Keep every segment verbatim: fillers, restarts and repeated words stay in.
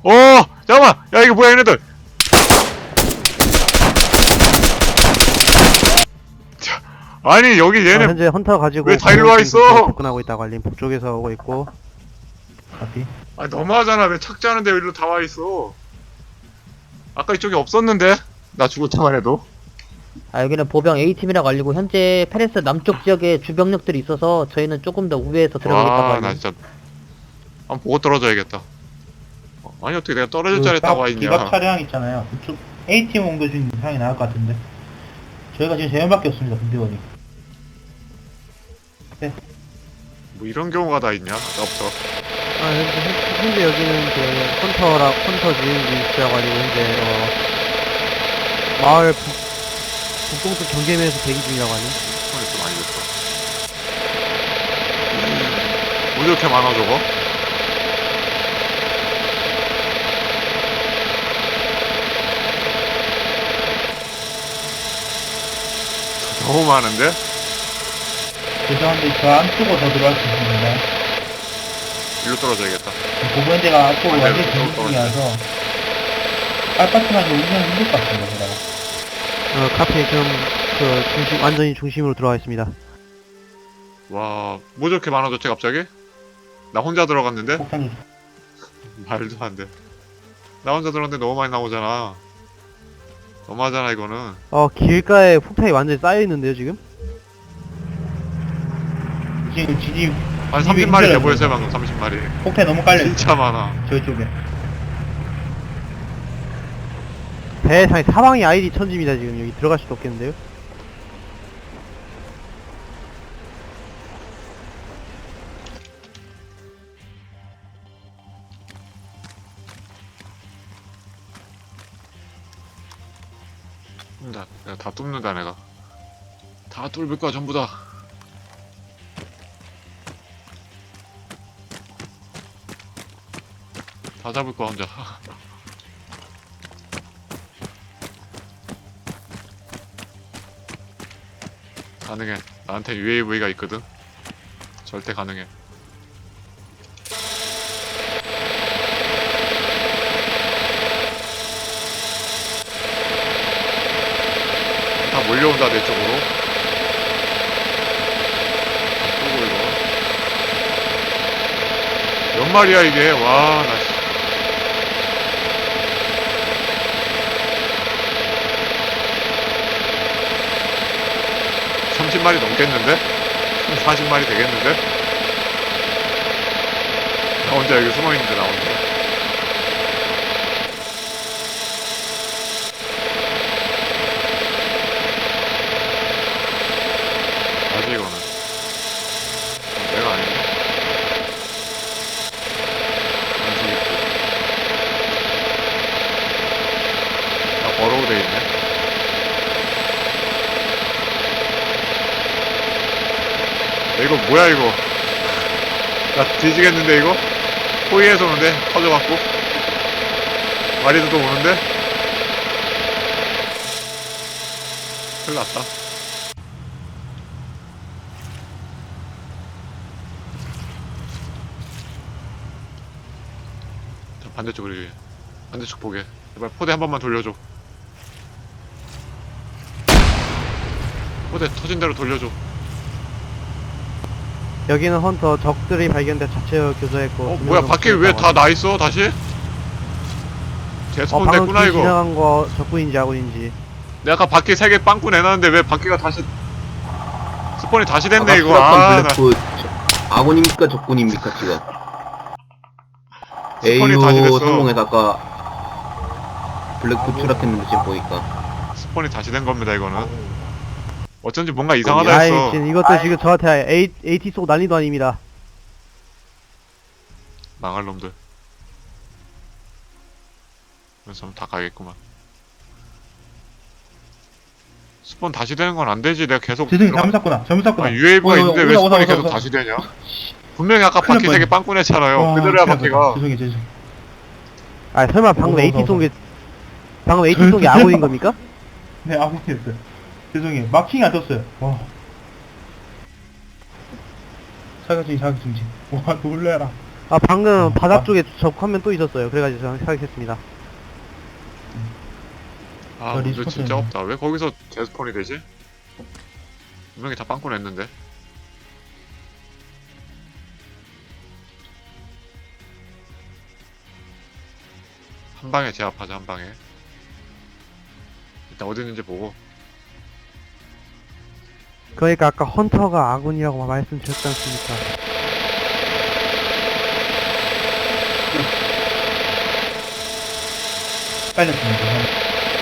어 잠깐만 야 이거 뭐야 얘네들. 자, 아니 여기 어, 얘네 현재 헌터 가지고 왜 다 일로 와 있어? 접근하고 있다고 알림. 북쪽에서 오고 있고. 카피. 아 너무하잖아. 왜 착지하는데 왜 일로 다 와 있어? 아까 이쪽에 없었는데 나 죽을 때만 해도. 아, 여기는 보병 A팀이라고 알리고 현재 페레스 남쪽 지역에 주병력들이 있어서 저희는 조금 더 우회해서 들어가겠다고 아, 나 알림. 진짜 한번 보고 떨어져야겠다. 어, 아니 어떻게 내가 떨어질 자리에 딱 와 있냐? 기갑 차량 있잖아요. 그쪽 A팀 옮겨준 상이 나을 것 같은데. 저희가 지금 세 명밖에 없습니다. 군대원이. 뭐 이런 경우가 다 있냐? 나 없어. 아, 현재, 현- 현재 여기는 그 헌터라 헌터 주인지라고 알리고 현재 어 마을 북 북동쪽 경계면에서 대기 중이라고 하네. 손이 좀 많이 됐어. 뭐 이렇게 많아 저거? 너무 많은데? 죄송한데 저 안쪽으로 더 들어갈 수 있습니다. 일로 떨어져야겠다. 보부현대가 안쪽으로 안 완전히 돼요. 전진 떨어져. 중이라서 알파트만 운영 힘들 것 같습니다. 그다가. 어 카페 지금 그 중심 완전히 중심으로 들어가 있습니다. 와, 뭐 저렇게 많아졌지 갑자기? 나 혼자 들어갔는데? 폭탄이 말도 안 돼. 나 혼자 들어갔는데 너무 많이 나오잖아. 너무하잖아 이거는. 어 길가에 폭탄이 완전히 쌓여 있는데요 지금? 지금 지지 한 이게 삼십 마리 돼 힘들어요, 보였어요 방금 삼십 마리. 폭탄 너무 깔려 있어요. 진짜 많아. 저쪽에. 배상에 사방이 아이디 천지입니다 지금. 여기 들어갈 수도 없겠는데요? 나, 내가 다 뚫는다 내가. 다 뚫을 거야 전부 다. 다 잡을 거야 혼자. 가능해. 나한테 유에이브이가 있거든. 절대 가능해. 다 몰려온다 내 쪽으로. 끄고 이거. 몇 마리야 이게? 와, 나. 씨. 삼십 마리 넘겠는데? 사십 마리 되겠는데? 나 혼자 여기 숨어있는데 나 혼자. 뭐지 이거는? 어, 내가 아닌데? 안 되겠지. 나 버로우 돼 있네. 야, 이거 뭐야 이거? 나 뒤지겠는데 이거? 호위에서 오는데? 터져갖고? 마리도 또 오는데? 큰일 났다. 자, 반대쪽으로 이게. 반대쪽 보게. 제발 포대 한 번만 돌려줘. 포대 터진 대로 돌려줘. 여기는 헌터 적들이 발견돼 자체 교전했고. 어 뭐야 밖에 왜 다 나있어 다시? 어 재스폰 방금 됐구나 길 이거. 지나간 거 적군인지 아군인지. 내가 아까 바퀴 세 개 빵꾸 내놨는데 왜 바퀴가 다시 스폰이 다시 됐네 아까 이거. 수락한 아, 나 블랙풋 저- 아군입니까 적군입니까 지금? 스폰이 다시 에이유 됐어. 성공해서 아까 블랙풋 추락했는데 지금 보니까 스폰이 다시 된 겁니다 이거는. 어쩐지 뭔가 이상하다 아이 했어. 지금 이것도 지금 저한테 A, 에이티 속 난리도 아닙니다. 망할 놈들. 그래서 다 가겠구만. 스폰 다시 되는 건 안 되지. 내가 계속 죄송해요. 들어가- 잘못 샀구나. 잘못 샀구나. 아, 유에이브이가 어, 있는데 어, 왜 오다, 스폰이 오다, 계속 오다. 다시 되냐? 분명히 아까 큰일 바퀴 날 세 개 빵꾸 냈잖아요. 와, 그대로야 큰일 날 바퀴가. 뻔했다. 죄송해요. 죄송해요. 아 설마 방금 오다, 에이티 오다, 속에 방금 에이티 속에 아군인 겁니까? 네, 아군이었어요. 죄송해요. 마킹이 안 떴어요. 와. 사격 중지, 사격 중지. 와, 놀래라. 아, 방금 어, 바닥 아. 쪽에 적 화면 또 있었어요. 그래가지고 저는 사격했습니다. 아, 저 문제 리스폰스 진짜 있네. 없다. 왜 거기서 재스폰이 되지? 분명히 다 빵꾸 냈는데. 한 방에 제압하자, 한 방에. 일단 어디 있는지 보고. 그러니까 아까 헌터가 아군이라고 말씀드렸지 않습니까? 빨렸습니다.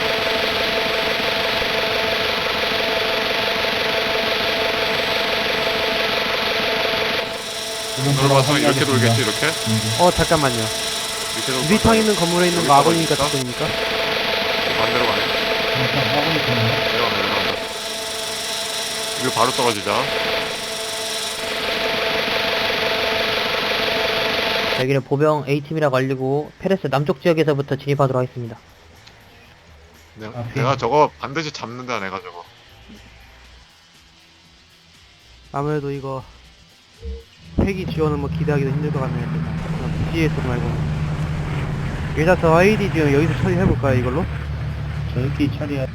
돌아봐서 이렇게 돌겠지, 이렇게? 어, 잠깐만요. 이렇게 돌 유리창 있는 건물에 있는 거 여기다가 아군이니까 있어? 적군입니까? 반대로 가네. 화분이 있는데. 내려간다, 내려간다. 이거 바로 떨어지자. 여기는 보병 A팀이라고 알리고 페레스 남쪽 지역에서부터 진입하도록 하겠습니다. 내가, 아, 내가 저거 반드시 잡는다, 내가 저거. 아무래도 이거 폐기 지원은 뭐 기대하기도 힘들 것 같네요. 그냥 비에스 말고. 일단 저 아이디 지금 여기서 처리해볼까요, 이걸로? 저희끼리 처리해.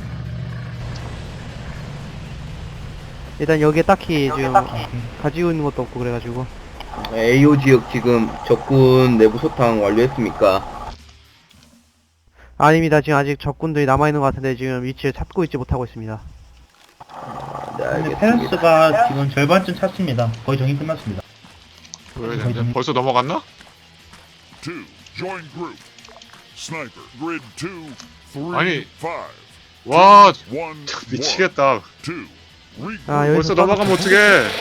일단 여기에 딱히 지금 오케이. 가지고 있는 것도 없고 그래가지고. 에이오 지역 지금 적군 내부 소탕 완료했습니까? 아닙니다. 지금 아직 적군들이 남아있는 것 같은데 지금 위치를 찾고 있지 못하고 있습니다. 아, 네, 근데 알겠습니다. 페런스가 지금 절반쯤 찼습니다. 거의 정리 끝났습니다. 보여야 되는데. 벌써 넘어갔나? two, join group. Sniper, grid two, three, 아니. five, 와, one, 미치겠다. two. Regroup. 아, 여기서 벌써 넘어가면 어떡해.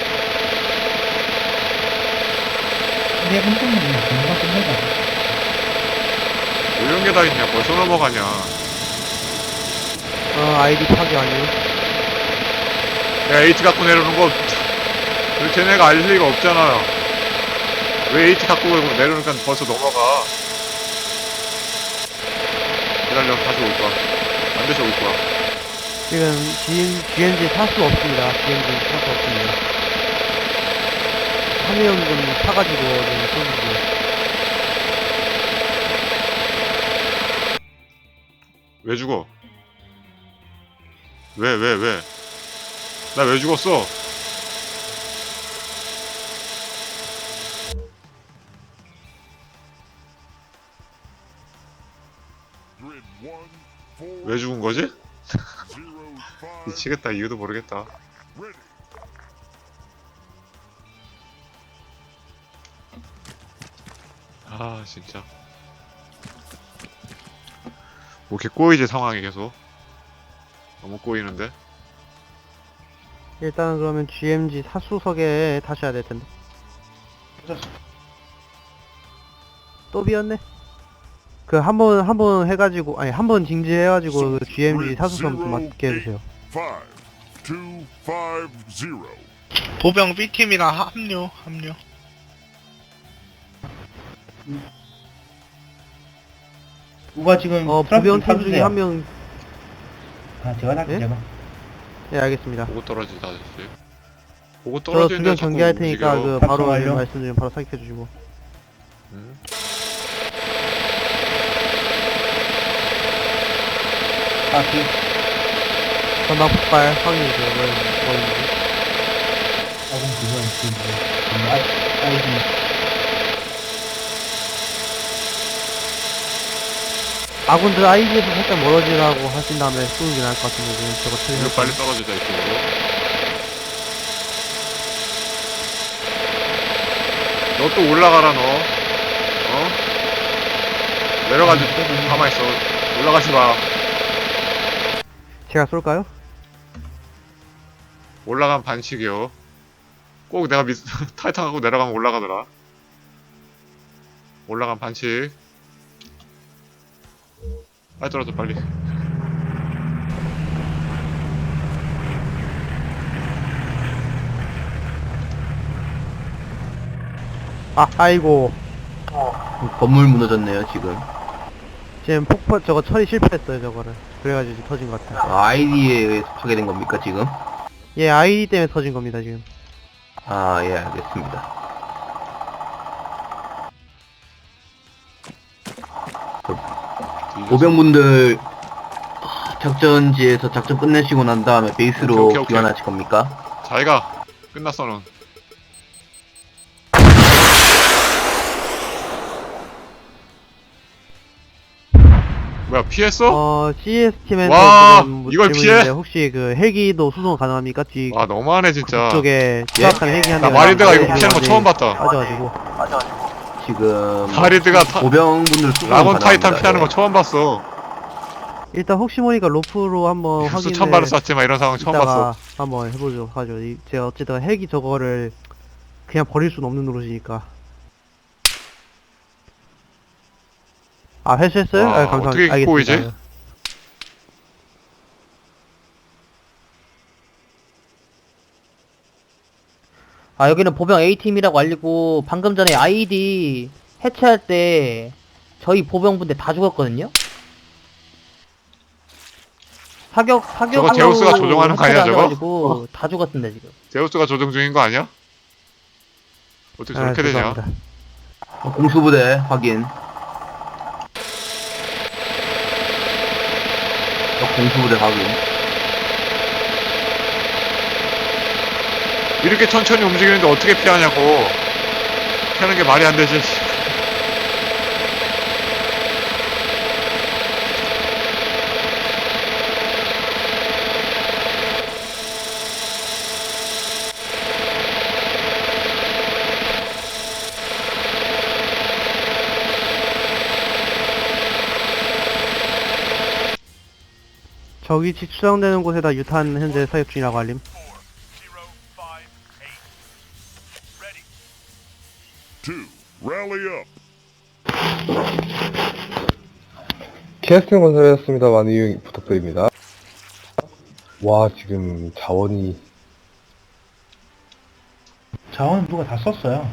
근데 한쪽은 금방 끝내자. 왜 이런 게 다 있냐. 벌써 넘어가냐. 어, 아이디 파기 완료. 야, H 갖고 내려오는 거, 왜 쟤네가 알 리가 없잖아요. 왜 H 갖고 내려오니까 벌써 넘어가. 기다려, 다시 올 거야. 반드시 올 거야. 지금 지엔지 살 수 없습니다. 지엔지 살 수 없습니다. 한 명은 사가지고 지금 쏘는데. 왜 죽어? 왜, 왜, 왜? 나 왜 죽었어? Grid one, four, 왜 죽은 거지? zero, five, 미치겠다. 이유도 모르겠다. ready. 아, 진짜. 뭐 이렇게 꼬이지, 상황이 계속. 너무 꼬이는데? 일단은 그러면 지엠지 사수석에 타셔야 될 텐데. 또 비었네. 그 한 번 한 번 해가지고 아니 한 번 징지해가지고 그 지엠지 사수석 좀 맡게 해주세요. five, two, five, zero. 보병 B팀이랑 합류, 합류. 누가 지금 어 트럭 좀 보병 팀 중에 타주세요. 한 명. 아 제가 탈게 예? 제가. 예 알겠습니다. 보고 떨어지다, 아저씨. 보고 저 떨어지는데 두명 자꾸 경계할 테니까 움직여. 그 바로 작성 완료. 말씀 좀 바로 사격해 주시고. 응? 아 그. 전방 폭발 확인해 주세요. 뭐, 뭐 있는지. 아군 그거 그 뭐. 아 아이디. 아군들 아이디에서 살짝 멀어지라고 하신 다음에 쏘는 게 나을 것 같은데 지금 저거 이거 처리해. 빨리 떨어지자, 이쪽으로. 너 또 올라가라, 너. 어? 내려가지, 가만있어. 올라가지 마. 제가 쏠까요? 올라가면 반칙이요. 꼭 내가 미스, 타이탄하고 내려가면 올라가더라. 올라가면 반칙. 빨리 떨어져, 빨리. 아 아이고 건물 무너졌네요 지금. 지금 폭발 저거 처리 실패했어요 저거를. 그래가지고 지금 터진 것 같아요. 아, 아이디에 의해서 파괴된 겁니까 지금? 예 아이디 때문에 터진 겁니다 지금. 아, 예, 알겠습니다. 보병분들 작전지에서 작전 끝내시고 난 다음에 베이스로 오케이, 오케이, 오케이. 귀환하실 겁니까? 자기가 끝났어 넌. 뭐야 피했어? 어, 씨에스팀에서 와, 지금 이걸 질문인데 피해? 혹시 그 헬기도 수송 가능합니까? 뒤 와 너무하네 진짜. 쪽에 추락한 헬기 한 나 대가 마리드가 이거 있는데 피하는 거 처음 봤다. 빠져가지고 지금 마리드가 타, 보병분들 수송 라곤 타이탄 가능합니다. 피하는 예. 거 처음 봤어. 일단 혹시 모르니까 로프로 한번 확인을 수천 발을 쐈지만 이런 상황 처음 이따가 봤어. 한번 해보죠 하죠. 이- 제가 어쨌든 헬기 저거를 그냥 버릴 수는 없는 노릇이니까. 아 회수했어요? 와, 아, 감사합니다. 어떻게 알겠습니다. 보이지? 아, 여기는 보병 A팀이라고 알리고, 방금 전에 아이디 해체할 때, 저희 보병분들 다 죽었거든요? 사격, 사격. 저거 제우스가 조종하는 거 아니야, 저거? 가지고 다 죽었습니다, 지금. 제우스가 조정 중인 거 아니야? 어떻게 아, 저렇게 되냐? 죄송합니다. 어, 공수부대 확인. 어, 공수부대 확인. 이렇게 천천히 움직이는데 어떻게 피하냐고. 피하는 게 말이 안 되지. 저 위치 추정되는 곳에다 유탄 현재 사격 중이라고 알림. Two, rally up. 캐스팅 건설이었습니다. 많은 이용 부탁드립니다. 와, 지금 자원이 자원 누가 다 썼어요.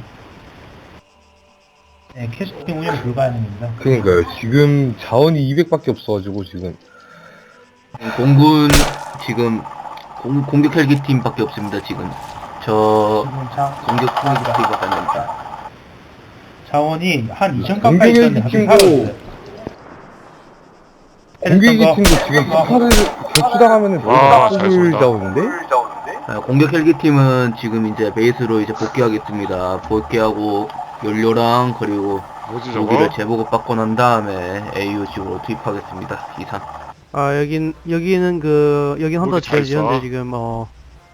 네, 캐스팅 운영 불가능입니다. 그러니까요. 지금 자원이 이백밖에 없어가지고 지금 공군 지금 공, 공격 헬기 팀밖에 없습니다. 지금 저 지금 자, 공격 헬기 팀밖에 안 됩니다. 자원이 한 이천 가까이 공격 있었는데 헬기 갑자기 팀도 사라졌어요. 공격기 거. 팀도 지금 스파를 배치당하면은 와, 너무 잘 뽑을 쏜다. 자원인데? 아, 공격 헬기 팀은 지금 이제 베이스로 이제 복귀하겠습니다. 복귀하고 연료랑 그리고 뭐지 무기를 저거? 재보급 받고 난 다음에 에이유 지구로 투입하겠습니다. 이상. 아 여긴 여기는 그 여긴 헌터 모두 잘 지역이 현재 쏴. 지금 어.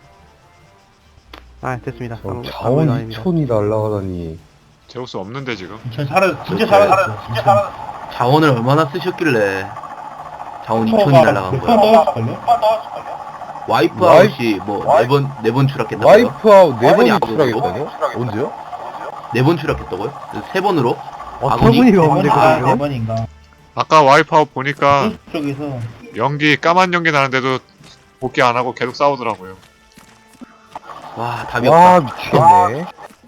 아 됐습니다. 저 아무- 아무 일도 자원 아닙니다. 이천이 날라가다니. 제우스 없는데 지금. 전 사라, 진짜 그렇죠. 사라졌어요. 진짜. 자원을 얼마나 쓰셨길래 자원 이천이 날라간 거야. 넣었을걸요? 와이프 와이- 아웃이 뭐 네 번 네 번 추락했다고요? 와이프아웃 네 번이 아니, 추락했다뇨? 언제요? 네 번 추락했다고요? 세 번으로? 어처구니가 없는데 아, 네 그거는? 번인가. 아까 와이프아웃 보니까 쪽에서 연기 까만 연기 나는데도 복귀 안 하고 계속 싸우더라고요. 와 답이 와, 없다. 미치겠네.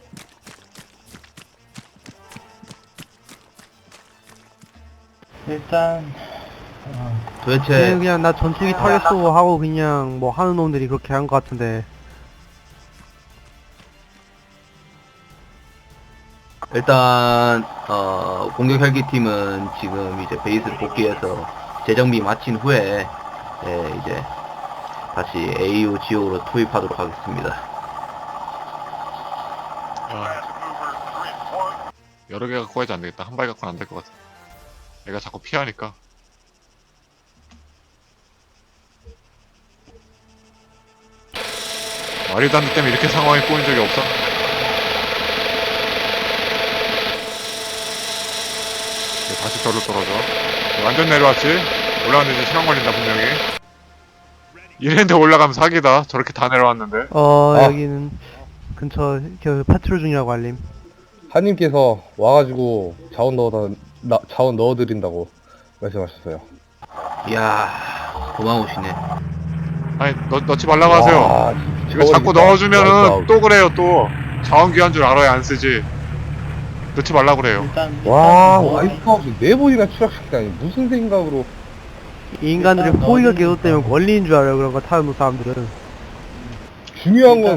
일단 어, 도대체 그냥, 그냥 나 전투기 타겠어 하고 그냥 뭐 하는 놈들이 그렇게 한 것 같은데. 일단 어, 공격 헬기 팀은 지금 이제 베이스를 복귀해서 재정비 마친 후에 예, 이제 다시 에이유 지역으로 투입하도록 하겠습니다. 아, 여러 개 갖고 가야지 안 되겠다. 한 발 갖고는 안 될 것 같아. 얘가 자꾸 피하니까. 마리단드 때문에 이렇게 상황이 꼬인 적이 없어. 이제 다시 별로 떨어져. 완전 내려왔지? 올라갔는데 이제 시간 걸린다 분명히. 이랬는데 올라가면 사기다. 저렇게 다 내려왔는데. 어 아. 여기는 근처 그 파트롤 중이라고 알림. 하님께서 와가지고 자원 넣어다 나, 자원 넣어드린다고 말씀하셨어요. 이야 고마우시네. 아니 넣, 넣지 말라고 하세요. 와, 이거 자꾸 넣어주면은 또 그래요 또. 자원 귀한 줄 알아야 안 쓰지. 넣지 말라고 그래요. 일단 와, 일단 뭐- 와이프아웃을 네 번이나 추락시키다니 무슨 생각으로? 이 인간들이 일단 호의가 너는- 계속 때문에 원리인 줄 알아요. 그런 거 타는 사람들은. 중요한 건